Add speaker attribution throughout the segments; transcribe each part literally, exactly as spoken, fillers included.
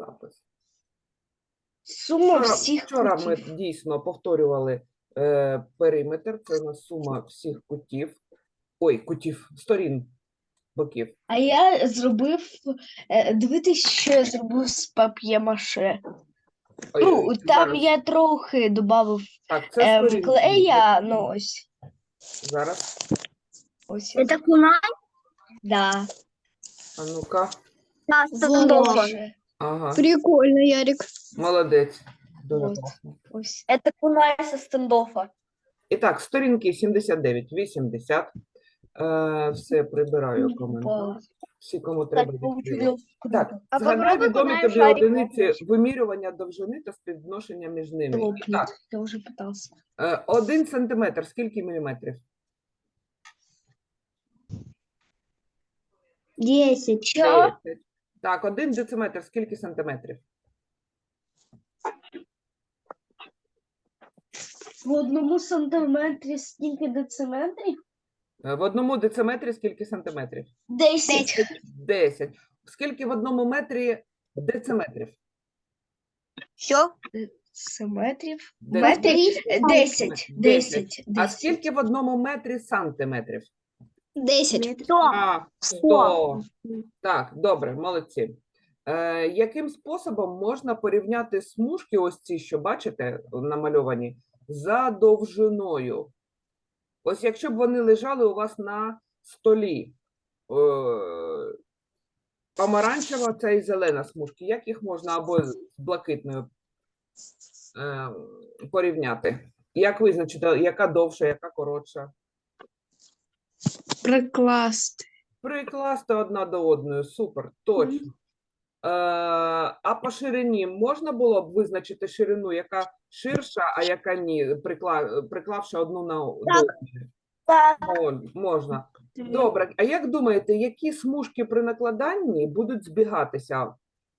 Speaker 1: запис.
Speaker 2: Сума
Speaker 1: Вчора,
Speaker 2: всіх
Speaker 1: вчора ми
Speaker 2: кутів.
Speaker 1: дійсно повторювали е, периметр, це у нас сума всіх кутів, ой, кутів, сторін боків.
Speaker 2: А я зробив, е, дивитись, що я зробив з пап'є-маше.
Speaker 1: Ой,
Speaker 2: Ну,
Speaker 1: ой,
Speaker 2: там
Speaker 1: зараз.
Speaker 2: я трохи додав
Speaker 1: Так, це
Speaker 2: ем,
Speaker 1: сторінки.
Speaker 2: клея, ну ось.
Speaker 1: Зараз,
Speaker 2: Ось.
Speaker 3: Это кунай?
Speaker 2: Да.
Speaker 1: а ну-ка.
Speaker 3: Да,
Speaker 2: Стендофа.
Speaker 3: стендофа.
Speaker 1: Ага,
Speaker 3: Прикольно, Ярик.
Speaker 1: молодець. Дуже
Speaker 2: Вот.
Speaker 1: класно.
Speaker 2: Ось.
Speaker 3: Это кунай со стендофа.
Speaker 1: І так, сторінки сімдесят дев'ять, вісімдесят. Е, все, прибираю коментар. Всі, кому треба відкрити. Так,
Speaker 3: А
Speaker 1: згадай
Speaker 3: попробуй
Speaker 1: відомі
Speaker 3: кунаєм
Speaker 1: тобі
Speaker 3: шарик
Speaker 1: одиниці
Speaker 3: вогнеш.
Speaker 1: вимірювання довжини та співвідношення між ними. І
Speaker 2: Лопнет.
Speaker 1: так,
Speaker 2: Я уже пытался.
Speaker 1: е, один сантиметр, скільки міліметрів?
Speaker 3: Десять.
Speaker 2: Що?
Speaker 1: Десять. Так, один дециметр, скільки сантиметрів?
Speaker 2: В одному сантиметрі скільки дециметрів?
Speaker 1: Е, В одному дециметрі скільки сантиметрів?
Speaker 2: Десять.
Speaker 1: Десять. Скільки в одному метрі дециметрів?
Speaker 3: Що?
Speaker 2: Дециметрів?
Speaker 1: Дециметрів.
Speaker 2: Метрів? Е, Десять. Десять.
Speaker 1: А
Speaker 2: Десять.
Speaker 1: скільки в одному метрі сантиметрів?
Speaker 3: Десять.
Speaker 1: А, сто. Так, добре, молодці. Е, яким способом можна порівняти смужки, ось ці, що бачите, намальовані, за довжиною? Ось якщо б вони лежали у вас на столі, е, помаранчева це і зелена смужки, як їх можна або з блакитною е, порівняти? Як визначити, яка довша, яка коротша?
Speaker 2: Прикласти.
Speaker 1: Прикласти одна до одної, супер, точно. Е, а по ширині можна було б визначити ширину, яка ширша, а яка ні, прикла, приклавши одну на до одної?
Speaker 3: Так.
Speaker 1: Мож- Можна. Добре, а як думаєте, які смужки при накладанні будуть збігатися?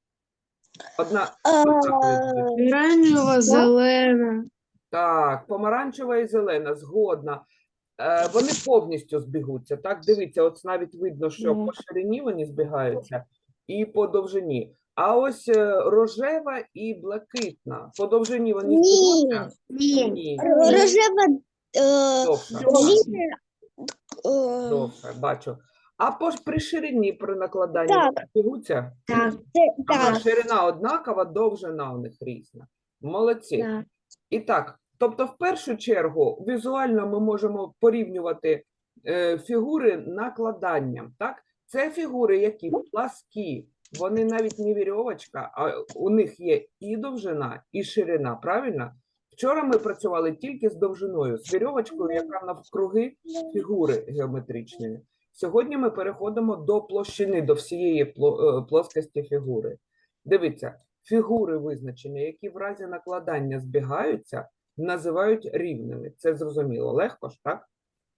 Speaker 1: Одна, однакові будуть.
Speaker 2: Оранжева, зелена.
Speaker 1: Так, помаранчева і зелена, згодна. Е, вони повністю збігуться. Так, дивіться, от навіть видно, що
Speaker 2: Ну.
Speaker 1: по ширині вони збігаються і по довжині. А ось е, рожева і блакитна. По довжині вони
Speaker 3: Ні.
Speaker 1: збігуться?
Speaker 3: Ні.
Speaker 1: Ні.
Speaker 3: Рожева. Е,
Speaker 1: Довше.
Speaker 3: лінія, е,
Speaker 1: Довше, бачу. А по, при ширині при накладанні
Speaker 3: Так.
Speaker 1: вони збігуться?
Speaker 3: Так. Це,
Speaker 1: Ага,
Speaker 3: так.
Speaker 1: ширина однакова, довжина у них різна. Молодці.
Speaker 3: Так.
Speaker 1: І так, тобто, в першу чергу, візуально ми можемо порівнювати е, фігури накладанням. Так? Це фігури, які пласкі, вони навіть не вірьовочка, а у них є і довжина, і ширина, правильно? Вчора ми працювали тільки з довжиною, з вірьовочкою, яка навкруги фігури геометричної. Сьогодні ми переходимо до площини, до всієї пло- е, плоскості фігури. Дивіться, фігури визначення, які в разі накладання збігаються, називають рівними. Це зрозуміло. Легко ж, так?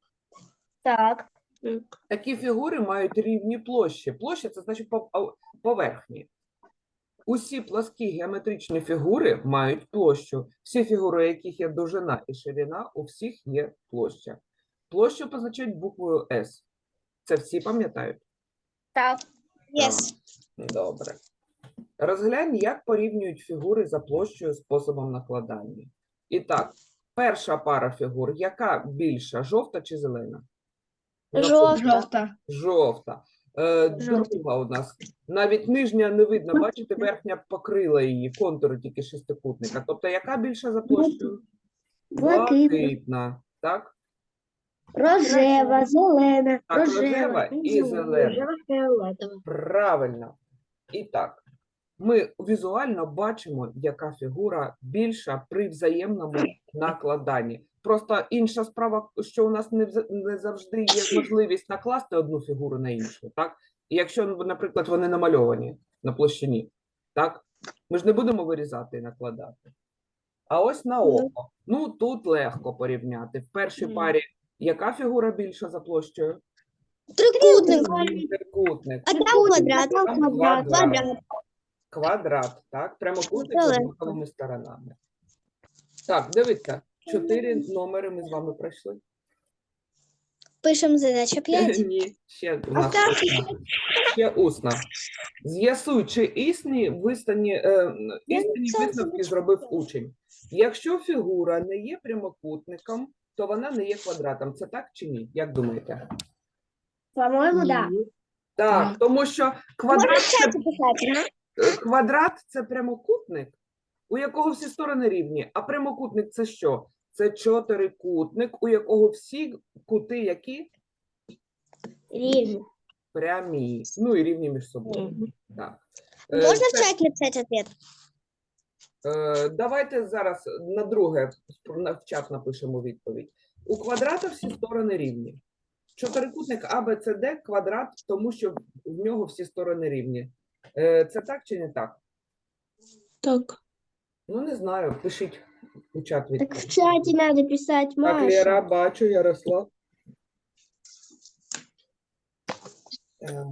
Speaker 3: Так.
Speaker 1: Такі фігури мають рівні площі. Площа – це значить пов- ау- поверхні. Усі пласкі геометричні фігури мають площу. Всі фігури, у яких є довжина і ширина, у всіх є площа. Площу позначають буквою С. Це всі пам'ятають?
Speaker 3: Так.
Speaker 1: Yes. Добре. Розглянь, як порівнюють фігури за площею способом накладання. І так, перша пара фігур, яка більша, жовта чи зелена?
Speaker 2: Жовта.
Speaker 1: Жовта. Е,
Speaker 3: Жовта.
Speaker 1: друга у нас. Навіть нижня не видно, бачите, верхня покрила її, контури тільки шестикутника. Тобто, яка більша за площею?
Speaker 3: Блакитна.
Speaker 1: Блакитна. Так?
Speaker 3: Рожева, зелена.
Speaker 1: Так, рожева і зелена.
Speaker 3: фіолетова.
Speaker 1: Правильно. І так, ми візуально бачимо, яка фігура більша при взаємному накладанні. Просто інша справа, що у нас не, вз- не завжди є можливість накласти одну фігуру на іншу, так? І якщо, наприклад, вони намальовані на площині, так? Ми ж не будемо вирізати і накладати. А ось на око. Ну, тут легко порівняти. В першій
Speaker 2: Мгм.
Speaker 1: парі яка фігура більша за площею?
Speaker 3: Трикутник.
Speaker 1: Трикутник.
Speaker 3: А там квадрат.
Speaker 1: Там
Speaker 3: Квадрат.
Speaker 1: квадрат. Квадрат, так? Прямокутник з
Speaker 3: Далеко.
Speaker 1: однаковими сторонами. Так, дивіться, чотири номери ми з вами пройшли.
Speaker 3: Пишемо задача п'ять.
Speaker 1: Ні, ще у нас.
Speaker 3: так.
Speaker 1: одна. Ще усно. З'ясуй, чи існі вистані, е, істинні
Speaker 3: це
Speaker 1: висновки зробив учень. Якщо фігура не є прямокутником, то вона не є квадратом. Це так чи ні? Як думаєте?
Speaker 3: По-моему, да.
Speaker 1: Так,
Speaker 2: Так.
Speaker 1: тому що
Speaker 3: Можно
Speaker 1: квадрат
Speaker 3: в чате писать, да?
Speaker 1: Е, Квадрат – це прямокутник, у якого всі сторони рівні. А прямокутник – це що? Це чотирикутник, у якого всі кути які?
Speaker 3: Рівно.
Speaker 1: Прямі. Ну і рівні між собою. Так. Е,
Speaker 3: Можно в
Speaker 1: це-
Speaker 3: чате написать ответ?
Speaker 1: е, Давайте зараз на друге на- в чат напишемо відповідь. У квадрата всі сторони рівні. Чотирикутник А, Б, С, Д – квадрат, тому що в нього всі сторони рівні. Е, Це так чи не так?
Speaker 2: Так.
Speaker 1: Ну, не знаю, пишіть у чат
Speaker 3: Так
Speaker 1: відповідь.
Speaker 3: в чате надо писать,
Speaker 1: Так,
Speaker 3: Маша.
Speaker 1: Лера, бачу, Ярослав. Е,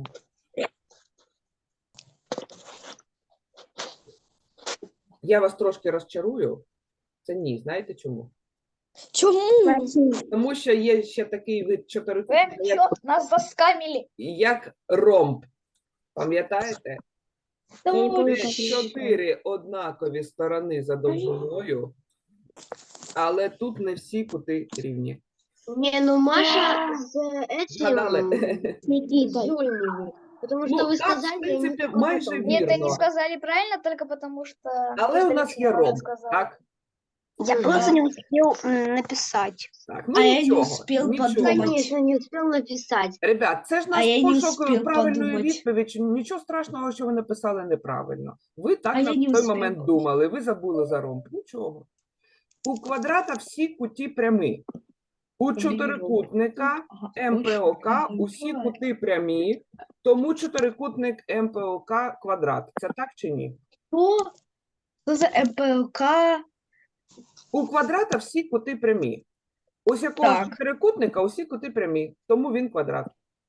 Speaker 1: Я вас трошки розчарую. Це ні, знаєте чому?
Speaker 3: Чому?
Speaker 1: Тому що є ще такий вид
Speaker 4: Вы
Speaker 1: чотирикутника, як,
Speaker 4: что, нас заскамили?
Speaker 1: як ромб. Пам'ятаєте?
Speaker 3: Я не
Speaker 1: Це
Speaker 3: помню, как это
Speaker 1: чотири однакові сторони за довжиною, але тут не всі кути рівні.
Speaker 3: Не, ну Маша с этим,
Speaker 1: Згадали?
Speaker 3: с Никитой. Потому что
Speaker 1: Ну,
Speaker 3: вы
Speaker 1: так, в
Speaker 3: сказали,
Speaker 1: принципі,
Speaker 3: я не
Speaker 1: майже
Speaker 3: помню.
Speaker 4: Нет, ты
Speaker 1: Верно.
Speaker 4: не сказали правильно, только потому что...
Speaker 1: Але у нас є ромб, так?
Speaker 3: Я просто не успел м, написать.
Speaker 1: Так, ну
Speaker 2: А я не
Speaker 1: нічого,
Speaker 2: успел
Speaker 1: нічого.
Speaker 2: подумать.
Speaker 3: Конечно, не успел написать.
Speaker 1: Ребят, це ж
Speaker 2: А
Speaker 1: наш
Speaker 2: я не
Speaker 1: пошук
Speaker 2: успів
Speaker 1: правильної
Speaker 2: подумать.
Speaker 1: відповіді. Нічого страшного, що ви написали неправильно. Ви так
Speaker 2: А
Speaker 1: на
Speaker 2: я не
Speaker 1: той
Speaker 2: успів.
Speaker 1: момент думали, ви забули за ромб. Нічого. У квадрата всі куті прямі. У чотирикутника ем пе о ка усі кути прямі, тому чотирикутник ем пе о ка квадрат. Це так чи ні?
Speaker 2: Что? Что за МПЛК?
Speaker 1: У квадрата всі кути прямі. Ось якого
Speaker 2: Так.
Speaker 1: чотирикутника усі кути прямі, тому він квадрат.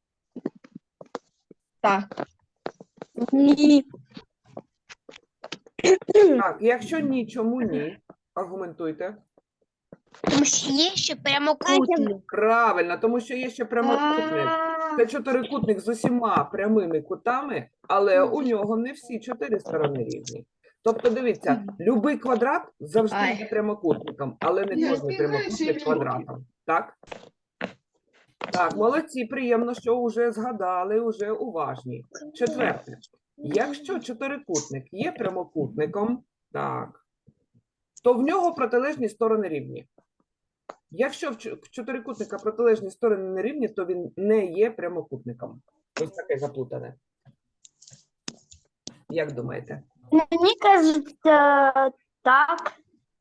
Speaker 2: Так.
Speaker 3: Ні.
Speaker 1: Так, якщо ні, чому ні? Аргументуйте.
Speaker 3: Тому що є ще прямокутник.
Speaker 1: Правильно, тому що є ще прямокутник. Це чотирикутник з усіма прямими кутами, але у нього не всі чотири сторони рівні. Тобто, дивіться, любий квадрат завжди
Speaker 2: Ай.
Speaker 1: є прямокутником, але не кожний прямокутник квадратом. Так? Так, молодці, приємно, що вже згадали, вже уважні. Четверте. Якщо чотирикутник є прямокутником, так, то в нього протилежні сторони рівні. Якщо в чо- в чотирикутника протилежні сторони не рівні, то він не є прямокутником. Ось таке заплутане. Як думаєте?
Speaker 3: Мені кажеться, так.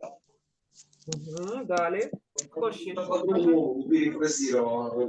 Speaker 1: Угу, далі. Хто ще? що?
Speaker 5: По-другому перефразировал.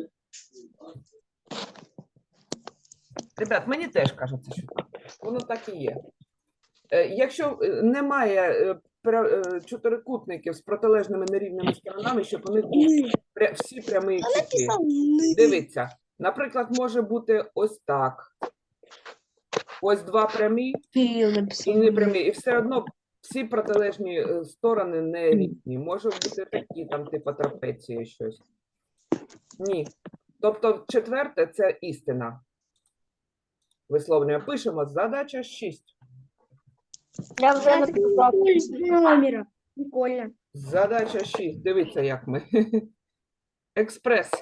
Speaker 1: Ребят, мені теж кажеться, що так. Воно так і є. Е, Якщо е, немає е, пра- е, чотирикутників з протилежними нерівними сторонами, щоб у них був пря- всі прямі кути. Дивіться, наприклад, може бути ось так. Ось два прямі
Speaker 2: Кирилл
Speaker 1: і
Speaker 2: написал.
Speaker 1: не прямі. І все одно всі протилежні е, сторони не рівні. Може бути такі, там, типу трапеції щось. Ні. Тобто, четверте – це істина. Висловлюємо. Пишемо. Задача шість.
Speaker 4: Я уже написал.
Speaker 3: Номера. Прикольно.
Speaker 1: Задача шість. Дивіться, як ми. Експрес.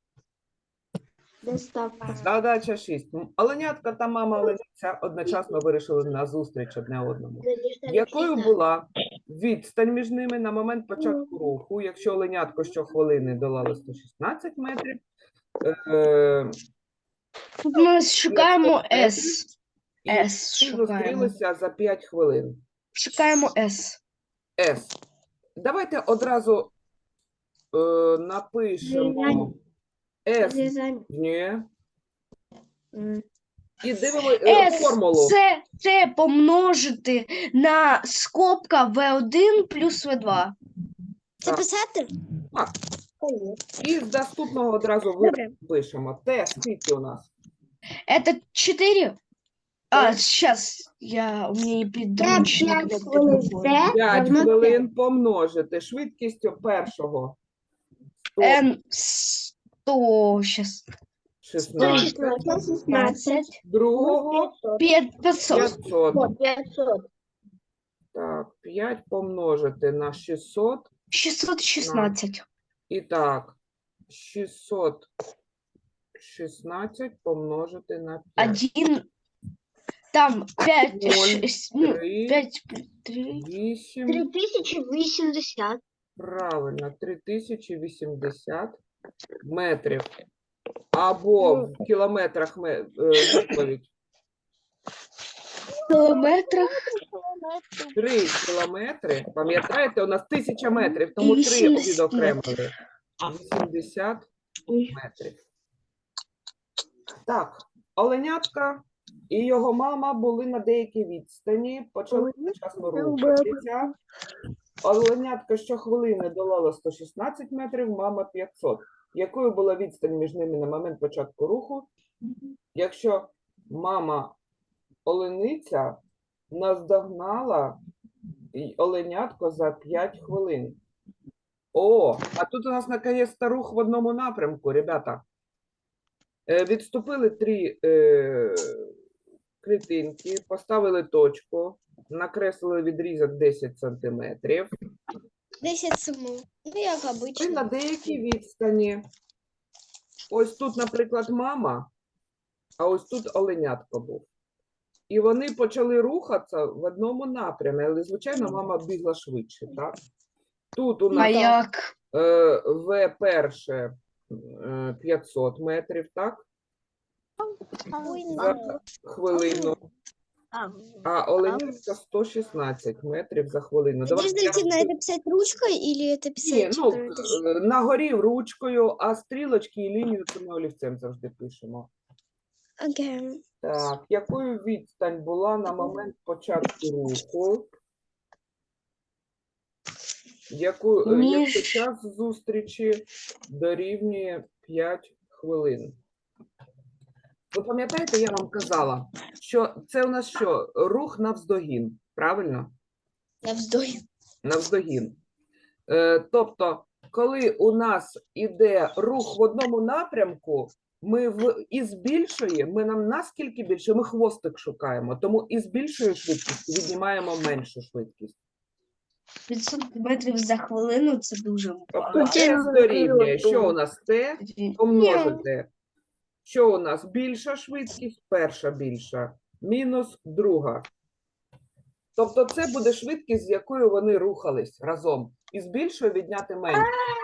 Speaker 3: Доставка.
Speaker 1: Задача шість. Оленятка та мама оленяця одночасно вирішили на зустріч одне одному. Якою була відстань між ними на момент початку руху, якщо оленятко щохвилини долало сто шістнадцять метрів, е,
Speaker 2: Тут ми шукаємо С.
Speaker 1: і
Speaker 2: С
Speaker 1: вони
Speaker 2: шукаємо.
Speaker 1: зустрілися за п'ять хвилин.
Speaker 2: Шукаємо С.
Speaker 1: С. Давайте одразу е, напишемо С. Ні. І дивимо е,
Speaker 2: С
Speaker 1: формулу.
Speaker 2: це, це помножити на скобка В один плюс В два.
Speaker 3: Це писати?
Speaker 1: Так. І з наступного одразу
Speaker 3: Добре.
Speaker 1: випишемо. Т скільки у нас?
Speaker 2: Это четыре. А,
Speaker 1: Так.
Speaker 2: сейчас я, у меня и подручник.
Speaker 3: пять
Speaker 2: вот
Speaker 3: хвилин
Speaker 2: такой.
Speaker 3: Т.
Speaker 1: п'ять
Speaker 3: равно
Speaker 1: хвилин помножити швидкістю першого. сто
Speaker 2: Н сто, сейчас.
Speaker 1: шістнадцять,
Speaker 2: п'ятнадцять,
Speaker 1: другого
Speaker 2: п'ятсот.
Speaker 1: п'ятсот.
Speaker 4: пятьсот.
Speaker 1: Так, п'ять помножити на шістсот.
Speaker 2: шістсот шістнадцять.
Speaker 1: І так, шістсот шістнадцять помножити на п'ять.
Speaker 2: Один. Там п'ять,
Speaker 1: Ноль,
Speaker 2: шесть, ну,
Speaker 1: три,
Speaker 2: п'ять, три.
Speaker 1: вісім.
Speaker 3: Три тисячі вісімдесят.
Speaker 1: Правильно, три тисячі вісімдесят метрів. Або в кілометрах ме- е, відповідь.
Speaker 2: В кілометрах
Speaker 1: Три кілометри. Пам'ятаєте, у нас тисяча метрів, тому три
Speaker 2: вісімдесят
Speaker 1: відокремили. вісімдесят метрів. Так, оленятка і його мама були на деякій відстані, почали вчасно рухатися. Оленятка щохвилини долала сто шістнадцять метрів, мама п'ятсот. Якою була відстань між ними на момент початку руху? Якщо мама олениця наздогнала й- оленятко за п'ять хвилин. О, а тут у нас наконец-то рух в одному напрямку, ребята. Е, Відступили три е, клітинки, поставили точку, накреслили відрізок десять сантиметрів.
Speaker 3: десять сумов. Ну, як
Speaker 1: І
Speaker 3: обично.
Speaker 1: на деякій відстані. Ось тут, наприклад, мама, а ось тут оленятко був. І вони почали рухатися в одному напрямі, але, звичайно, мама бігла швидше, так? Тут у
Speaker 2: А
Speaker 1: нас
Speaker 2: як?
Speaker 1: е, В перше е, п'ятсот метрів, так? За хвилину. А оленятка сто шістнадцять метрів за хвилину. Давайте я
Speaker 3: Надежда
Speaker 1: роз-
Speaker 3: это писать ручкой или это
Speaker 1: Ні,
Speaker 3: писать?
Speaker 1: ну,
Speaker 3: э, это-
Speaker 1: е, на горі ручкою, а стрілочки і лінію це ми олівцем завжди пишемо.
Speaker 3: Окей.
Speaker 1: Так, якою відстань була на момент початку руху? Яку, е, якщо
Speaker 2: Між-
Speaker 1: час зустрічі дорівнює п'ять хвилин? Ви пам'ятаєте, я вам казала, що це у нас що? Рух навздогін, правильно?
Speaker 3: Я вздохну.
Speaker 1: Навздогін. Е, тобто, коли у нас іде рух в одному напрямку, ми в із більшої, ми нам наскільки більше, ми хвостик шукаємо, тому із більшої швидкості віднімаємо меншу швидкість.
Speaker 2: п'ятсот метрів за хвилину це дуже
Speaker 1: Тобто
Speaker 2: багато.
Speaker 1: S дорівнює, що у нас T помножити. Що у нас більша швидкість, перша більша, мінус друга. Тобто це буде швидкість, з якою вони рухались разом. Із більшої відняти менше.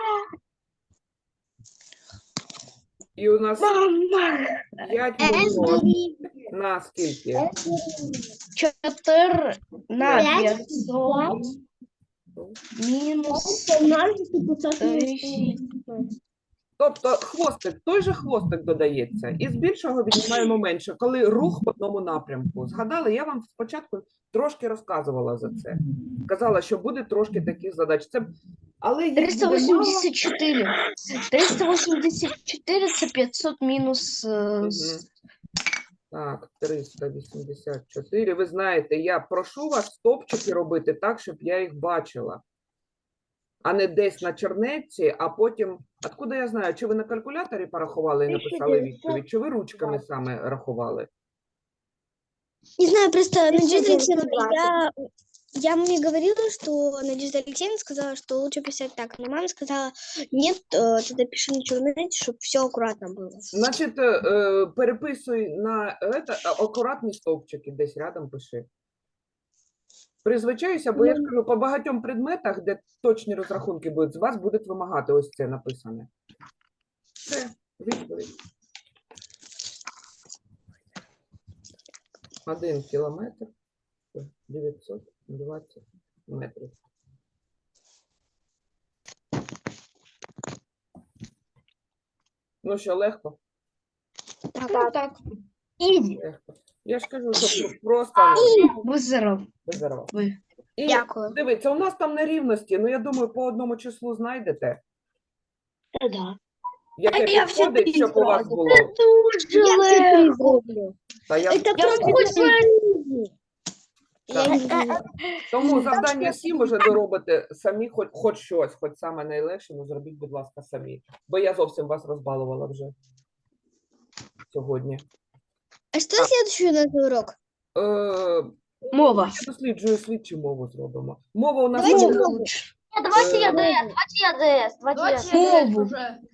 Speaker 1: І у нас п'ять помножити на скільки?
Speaker 2: чотири на
Speaker 3: П'ять.
Speaker 2: п'ятсот мінус тридцять.
Speaker 1: Тобто хвостик, той же хвостик додається. І з більшого віднімаємо менше, коли рух в одному напрямку. Згадали, я вам спочатку трошки розказувала за це. Казала, що буде трошки таких задач. Це... Але їх
Speaker 2: триста
Speaker 1: буде мало.
Speaker 2: вісімдесят чотири. триста вісімдесят чотири це п'ятсот мінус е,
Speaker 1: Мгм.
Speaker 2: с-
Speaker 1: Так, триста вісімдесят чотири. Ви знаєте, я прошу вас стопчики робити так, щоб я їх бачила. А не десь на чернетці, а потім... Откуда я знаю, чи ви на калькуляторі порахували і написали відповідь, чи ви ручками саме рахували?
Speaker 3: Не знаю, просто Надежда
Speaker 4: девятьсот
Speaker 3: Алексеевна, я, я маме говорила, что Надежда Алексеевна сказала, что лучше писать так. Но мама сказала, нет, э, тогда пиши на черноте, чтобы все аккуратно было.
Speaker 1: Значить, е, е, переписуй на это, а, акуратні стовпчики, десь рядом пиши. Призвичаюся, бо я ж кажу, по багатьом предметах, де точні розрахунки будуть, з вас будуть вимагати ось це написане. Це відповідь. Один кілометр, дев'ятсот двадцять метрів. Ну що, легко?
Speaker 2: Так, так. Ізі.
Speaker 1: Легко. Я ж кажу, що просто ну,
Speaker 2: Визеров.
Speaker 1: бездарова.
Speaker 2: Ви.
Speaker 1: І
Speaker 3: Дякую.
Speaker 1: дивіться, у нас там нерівності, ну я думаю, по одному числу знайдете,
Speaker 3: Да.
Speaker 1: яке
Speaker 2: я все
Speaker 1: підходить, щоб у вас
Speaker 2: зразу.
Speaker 1: було.
Speaker 2: Дуже легко.
Speaker 1: Та я...
Speaker 3: Это
Speaker 2: Я
Speaker 3: просто
Speaker 2: хочу
Speaker 3: Я
Speaker 1: Так.
Speaker 3: не знаю.
Speaker 1: Тому завдання сім уже доробите самі, хоч, хоч щось, хоч саме найлегше, ну зробіть, будь ласка, самі. Бо я зовсім вас розбалувала вже. сьогодні.
Speaker 3: А что следующий у нас за урок?
Speaker 1: Е,
Speaker 2: Мова.
Speaker 1: я досліджую слідчу мову зробимо. Мова у нас
Speaker 3: Давайте
Speaker 1: буде,
Speaker 3: мову.
Speaker 4: Нет, давайте
Speaker 1: Э,
Speaker 4: я ДС, давайте я ДС, давайте я ДС.
Speaker 2: Мову.